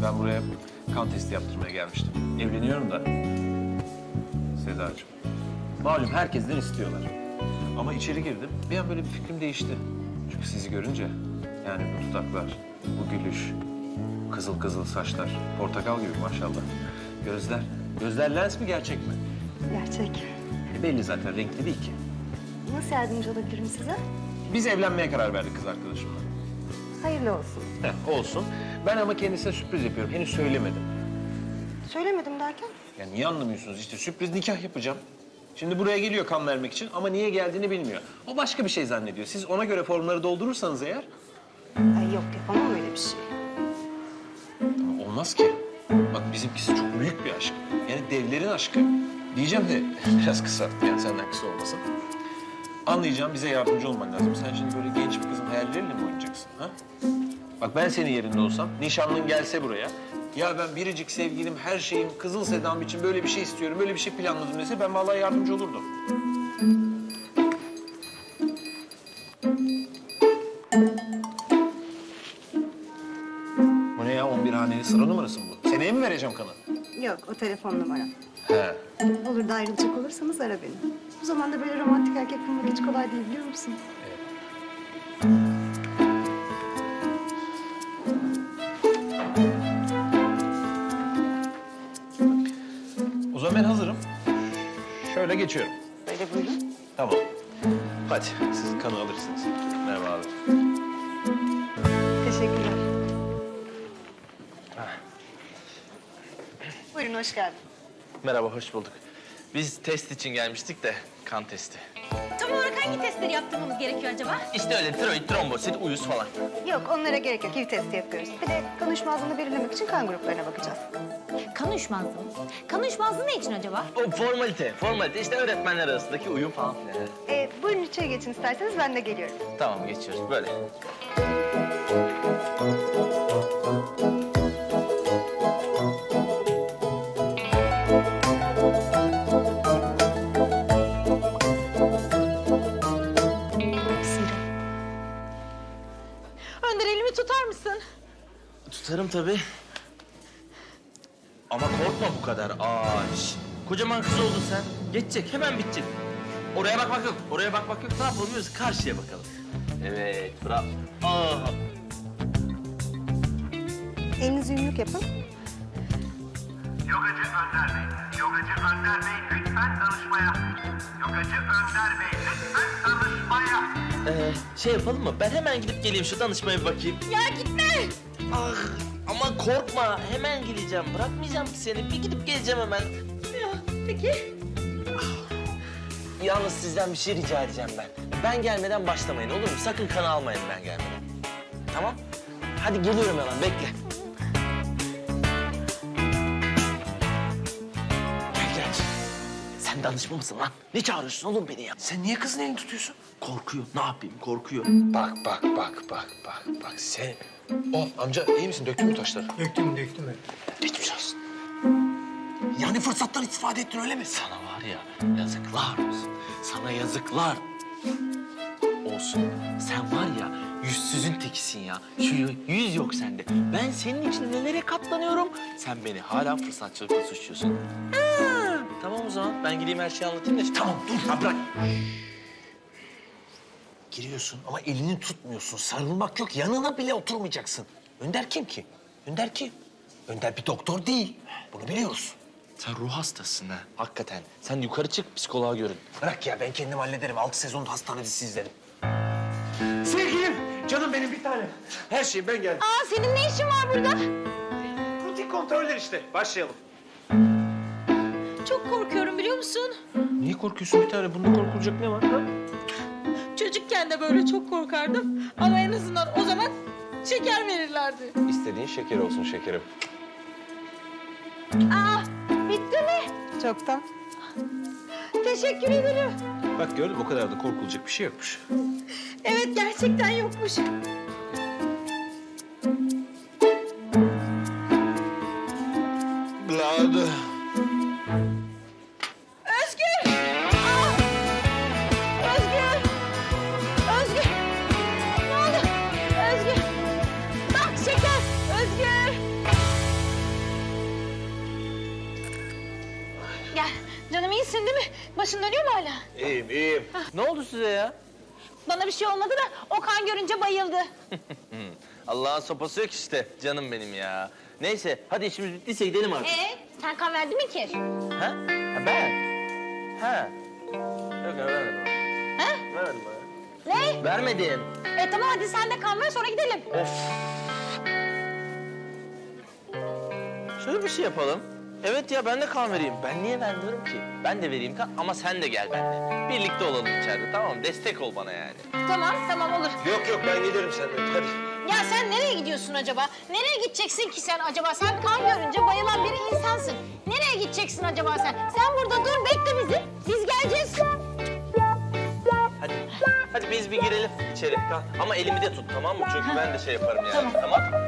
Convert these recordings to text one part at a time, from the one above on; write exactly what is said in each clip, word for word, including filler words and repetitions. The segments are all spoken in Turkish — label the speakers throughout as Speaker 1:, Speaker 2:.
Speaker 1: Ben buraya kan testi yaptırmaya gelmiştim. Evleniyorum da. Sedacığım. Malum herkesten istiyorlar. Ama içeri girdim, bir an böyle bir fikrim değişti. Çünkü sizi görünce, yani bu dudaklar, bu gülüş, kızıl kızıl saçlar, portakal gibi maşallah. Gözler, gözler lens mi gerçek mi?
Speaker 2: Gerçek.
Speaker 1: E belli zaten, renkli değil ki.
Speaker 2: Nasıl yardımcı olabilirim size?
Speaker 1: Biz evlenmeye karar verdik kız arkadaşımla.
Speaker 2: Hayırlı olsun.
Speaker 1: Heh, olsun. Ben ama kendisine sürpriz yapıyorum, henüz söylemedim.
Speaker 2: Söylemedim derken?
Speaker 1: Ya niye anlamıyorsunuz işte, sürpriz nikah yapacağım. Şimdi buraya geliyor kan vermek için ama niye geldiğini bilmiyor. O başka bir şey zannediyor. Siz ona göre formları doldurursanız eğer...
Speaker 2: Ay yok, yapamam öyle bir şey.
Speaker 1: Ama olmaz ki. Bak bizimkisi çok büyük bir aşk. Yani devlerin aşkı. Diyeceğim de biraz kısalttı yani senden kısa olmasın. Anlayacağım, bize yardımcı olman lazım. Sen şimdi böyle genç bir kızın hayalleriyle mi oynayacaksın ha? Bak ben senin yerinde olsam, nişanlın gelse buraya... Ya ben biricik sevgilim, her şeyim, kızıl sedam için böyle bir şey istiyorum, böyle bir şey planladım dese ben vallahi yardımcı olurdum. Bu ne ya, on bir haneli sıra numarası mı bu? Seneye mi vereceğim kanı?
Speaker 2: Yok, o telefon numaram.
Speaker 1: He.
Speaker 2: Olur da ayrılacak olursanız ara beni. Bu zamanda böyle romantik erkek bulmak hiç kolay değil, biliyor musun?
Speaker 1: O zaman ben hazırım. Şöyle geçiyorum.
Speaker 2: Böyle buyurun.
Speaker 1: Tamam. Hadi sizin kanı alırsınız. Merhaba abi.
Speaker 2: Teşekkürler. Buyurun, hoş geldin.
Speaker 3: Merhaba, hoş bulduk. Biz test için gelmiştik de, kan testi.
Speaker 4: Tam olarak hangi testleri yaptırmamız gerekiyor acaba?
Speaker 3: İşte öyle tiroid, trombosit, uyuz falan.
Speaker 2: Yok, onlara gerek yok. H I V testi yapıyoruz. Bir de kan uyuşmazlığını belirlemek için kan gruplarına bakacağız.
Speaker 4: Kan uyuşmazlığı mı? Kan uyuşmazlığı ne için acaba?
Speaker 3: O formalite, formalite. İşte öğretmenler arasındaki uyum falan filan.
Speaker 2: Ee, buyurun içeri geçin isterseniz, ben de geliyorum.
Speaker 3: Tamam, geçiyoruz böyle.
Speaker 4: Önder, elimi tutar mısın?
Speaker 3: Tutarım tabii. Ama korkma bu kadar. Aa, şş. Kocaman kız oldun sen. Geçecek, hemen bitecek. Oraya bakmak yok, oraya bakmak yok. Ne yapalım biz? Karşıya bakalım. Evet, bravo. Aa.
Speaker 2: Elinizi yumruk yapın.
Speaker 5: Yogacı Önder Bey, Yogacı Önder Bey lütfen danışmaya. Yogacı Önder Bey lütfen danışmaya.
Speaker 3: Ee, şey yapalım mı? Ben hemen gidip geleyim şu danışmaya bir bakayım.
Speaker 4: Ya gitme!
Speaker 3: Ah, ama korkma. Hemen geleceğim. Bırakmayacağım ki seni. Bir gidip geleceğim hemen.
Speaker 4: Ya, peki.
Speaker 3: Yalnız sizden bir şey rica edeceğim ben. Ben gelmeden başlamayın, olur mu? Sakın kan almayın ben gelmeden. Tamam? Hadi geliyorum hemen, bekle. Gel, gel. Sen danışma mısın lan? Ne çağırıyorsun oğlum beni ya?
Speaker 1: Sen niye kızın elini tutuyorsun?
Speaker 3: Korkuyor. Ne yapayım? Korkuyor.
Speaker 1: Bak, bak, bak, bak, bak, bak. Sen... Oh, amca iyi misin? Döktün mü taşları?
Speaker 6: Döktüm, döktüm öyle.
Speaker 1: Geçmiş olsun. Yani fırsattan istifade ettin öyle mi?
Speaker 3: Sana var ya, yazıklar olsun. Sana yazıklar olsun. Sen var ya, yüzsüzün tekisin ya. Şu yüz yok sende. Ben senin için nelere katlanıyorum. Sen beni hala fırsatçılıkla suçluyorsun. Ha, tamam o zaman. Ben gideyim her şeyi anlatayım da.
Speaker 1: Tamam dur, ha bırak. Giriyorsun ama elini tutmuyorsun. Sarılmak yok, yanına bile oturmayacaksın. Önder kim ki? Önder kim? Önder bir doktor değil. Bunu biliyoruz.
Speaker 3: Sen ruh hastasın ha. Hakikaten. Sen yukarı çık, psikoloğa görün.
Speaker 1: Bırak ya, ben kendim hallederim. Altı sezon hastane dizisi izledim. Sevgilim, canım benim bir tane. Her şey ben geldim.
Speaker 4: Aa, senin ne işin var burada?
Speaker 1: Rutin kontroller işte. Başlayalım.
Speaker 4: Çok korkuyorum, biliyor musun?
Speaker 1: Niye korkuyorsun bir tane? Bunda korkulacak ne var? Ha?
Speaker 4: Çocukken de böyle çok korkardım. Ama en azından o zaman şeker verirlerdi.
Speaker 1: İstediğin şeker olsun şekerim.
Speaker 4: Aa, bitti mi?
Speaker 2: Çoktan.
Speaker 4: Teşekkür ederim.
Speaker 1: Bak gördün mü? O kadar da korkulacak bir şey yokmuş.
Speaker 4: Evet, gerçekten yokmuş.
Speaker 1: Bladı.
Speaker 4: Özgür! Aa! Özgür! Özgür! Ne oldu? Özgür! Bak şeker! Özgür! İyisin değil mi? Başın dönüyor mu hala?
Speaker 3: İyiyim, iyiyim. Ne oldu size ya?
Speaker 4: Bana bir şey olmadı da Okan görünce bayıldı.
Speaker 3: Allah'ın sopası yok işte canım benim ya. Neyse hadi işimiz bittiyse gidelim artık.
Speaker 4: Ee, sen kan verdin mi ki?
Speaker 3: Ha? Ha ben? Ha. Yok ya vermedim.
Speaker 4: Ha?
Speaker 3: Vermedim bana.
Speaker 4: Ne?
Speaker 3: Vermedim.
Speaker 4: E tamam hadi sen de kan ver sonra gidelim.
Speaker 3: Of. Şöyle bir şey yapalım. Evet ya ben de kan vereyim. Ben niye vermiyorum ki? Ben de vereyim kan ama sen de gel benimle. Birlikte olalım içeride tamam mı? Destek ol bana yani.
Speaker 4: Tamam tamam olur.
Speaker 1: Yok yok ben giderim seninle hadi.
Speaker 4: Ya sen nereye gidiyorsun acaba? Nereye gideceksin ki sen acaba? Sen kan görünce bayılan bir insansın. Nereye gideceksin acaba sen? Sen burada dur bekle bizi. Biz geleceğiz.
Speaker 3: Hadi. Hadi biz bir girelim içeri. Kan. Ama elimi de tut tamam mı? Çünkü ben de şey yaparım yani.
Speaker 4: Tamam.
Speaker 3: Tamam.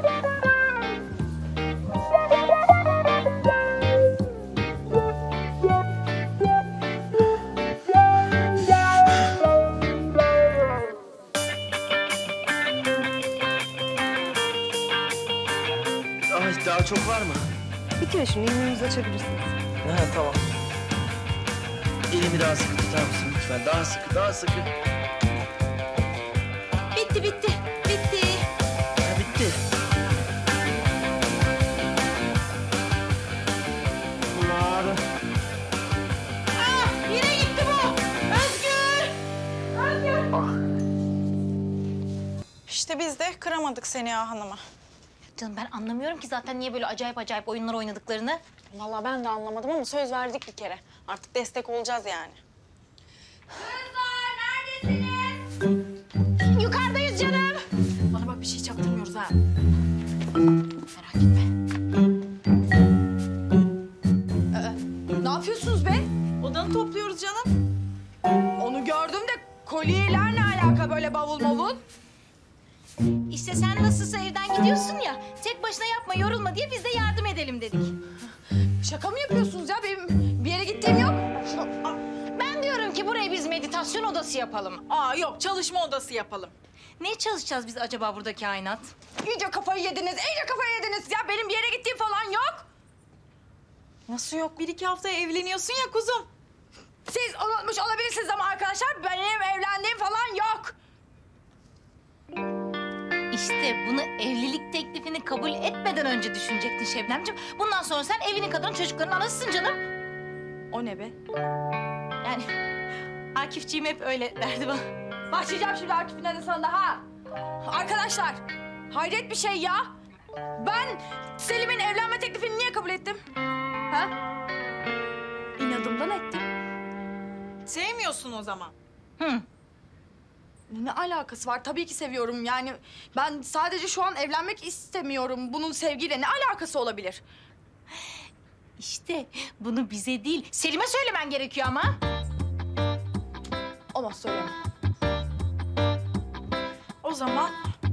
Speaker 3: Ay daha çok var mı?
Speaker 2: Bitiyor şimdi, yemeğimizi açabilirsiniz.
Speaker 3: Ha tamam. Elimi daha sıkı tutar mısın lütfen? Daha sıkı, daha sıkı.
Speaker 4: Bitti bitti. Bitti.
Speaker 3: Ha bitti. Bunlar...
Speaker 4: Ah yine gitti bu. Özgür. Özgür.
Speaker 6: İşte biz de kıramadık seni ya hanıma.
Speaker 4: Canım ben anlamıyorum ki zaten niye böyle acayip acayip oyunlar oynadıklarını.
Speaker 6: Vallahi ben de anlamadım ama söz verdik bir kere. Artık destek olacağız yani.
Speaker 4: Yukarıdayız canım.
Speaker 6: Bana bak bir şey çaktırmıyoruz ha.
Speaker 4: Merak etme.
Speaker 6: Ne yapıyorsunuz be? Odanı topluyoruz canım. Onu gördüm de kolyeler ne alaka böyle bavul mavul?
Speaker 4: İşte sen nasılsa evden gidiyorsun ya. Tek başına yapma yorulma diye biz de yardım edelim dedik.
Speaker 6: Şaka mı yapıyorsunuz ya? Benim bir yere gittiğim yok.
Speaker 4: Ben diyorum ki burayı biz meditasyon odası yapalım.
Speaker 6: Aa yok çalışma odası yapalım.
Speaker 4: Ne çalışacağız biz acaba burada kainat?
Speaker 6: İyice kafayı yediniz, iyice kafayı yediniz. Ya benim bir yere gittiğim falan yok. Nasıl yok? Bir iki haftaya evleniyorsun ya kuzum. Siz unutmuş olabilirsiniz ama arkadaşlar benim evlendiğim falan yok.
Speaker 4: İşte bunu evlilik teklifini kabul etmeden önce düşünecektin Şebnemciğim. Bundan sonra sen evinin kadını çocukların anasısın canım.
Speaker 6: O ne be?
Speaker 4: Yani Akifciğim hep öyle derdi bana.
Speaker 6: Başlayacağım şimdi Akif'in adısına da ha. Arkadaşlar, hayret bir şey ya. Ben Selim'in evlenme teklifini niye kabul ettim? Ha? İnadımdan ettim. Sevmiyorsun o zaman.
Speaker 4: Hı.
Speaker 6: Ne alakası var? Tabii ki seviyorum yani. Ben sadece şu an evlenmek istemiyorum. Bunun sevgiyle ne alakası olabilir?
Speaker 4: İşte bunu bize değil Selim'e söylemen gerekiyor ama.
Speaker 6: Olmaz söyleyemem. O zaman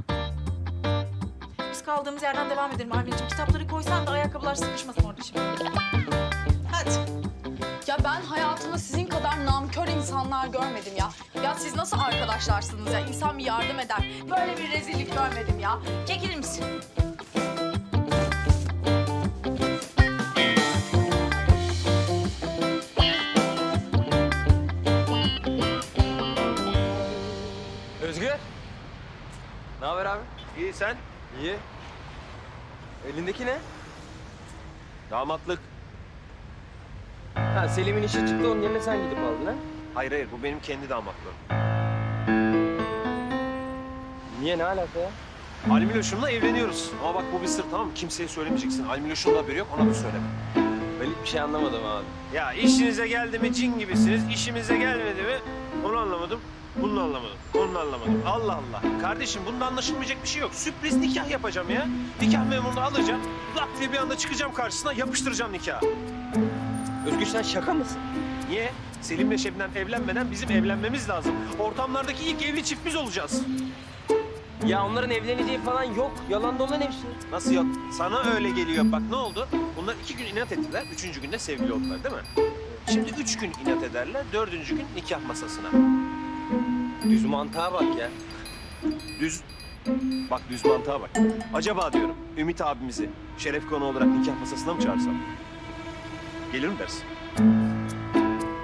Speaker 6: biz kaldığımız yerden devam edelim Armin'ciğim. Kitapları koysan da ayakkabılar sıkışmasın orada şimdi. Hadi. Ya ben hayatımda sizin kadar namkör insanlar görmedim ya. Ya siz nasıl arkadaşlarsınız ya? İnsan bir yardım eder. Böyle bir rezillik görmedim ya.
Speaker 4: Çekilir misin?
Speaker 7: Özgür. Ne haber abi?
Speaker 1: İyi sen?
Speaker 7: İyi. Elindeki ne?
Speaker 1: Damatlık.
Speaker 7: Ha Selim'in işi çıktı onun yerine sen gidip aldın ha?
Speaker 1: Hayır hayır bu benim kendi damatlığım.
Speaker 7: Niye ne alaka ya?
Speaker 1: Almiloş'umla evleniyoruz. Ama bak bu bir sır tamam mı? Kimseye söylemeyeceksin. Almiloş'un da haberi yok ona da söyleme.
Speaker 7: Ben hiçbir şey anlamadım abi.
Speaker 1: Ya işinize geldi mi cin gibisiniz, işimize gelmedi mi onu anlamadım, bunu anlamadım, onu anlamadım. Allah Allah. Kardeşim bunda anlaşılmayacak bir şey yok. Sürpriz nikah yapacağım ya. Nikah memurunu alacağım, lap diye bir anda çıkacağım karşısına yapıştıracağım nikahı.
Speaker 7: Özgür sen şaka mısın?
Speaker 1: Niye? Selim'le Şebnem evlenmeden bizim evlenmemiz lazım. Ortamlardaki ilk evli çift biz olacağız.
Speaker 7: Ya onların evleneceği falan yok. Yalan dolan hepsi.
Speaker 1: Nasıl yok? Sana öyle geliyor. Bak ne oldu? Bunlar iki gün inat ettiler, üçüncü günde sevgili oldular değil mi? Şimdi üç gün inat ederler, dördüncü gün nikah masasına.
Speaker 7: Düz mantığa bak ya.
Speaker 1: Düz, bak düz mantığa bak. Acaba diyorum Ümit abimizi şeref konu olarak nikah masasına mı çağırsam? Gelir mi dersin?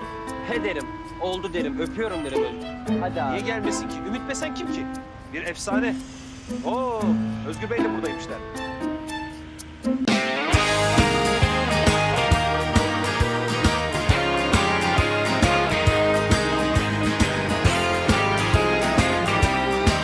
Speaker 7: He derim. Oldu derim. Öpüyorum derim. Hadi abi.
Speaker 1: Niye gelmesin ki? Ümit Besen kim ki? Bir efsane. Oo, Özgür Bey de buradaymışlar.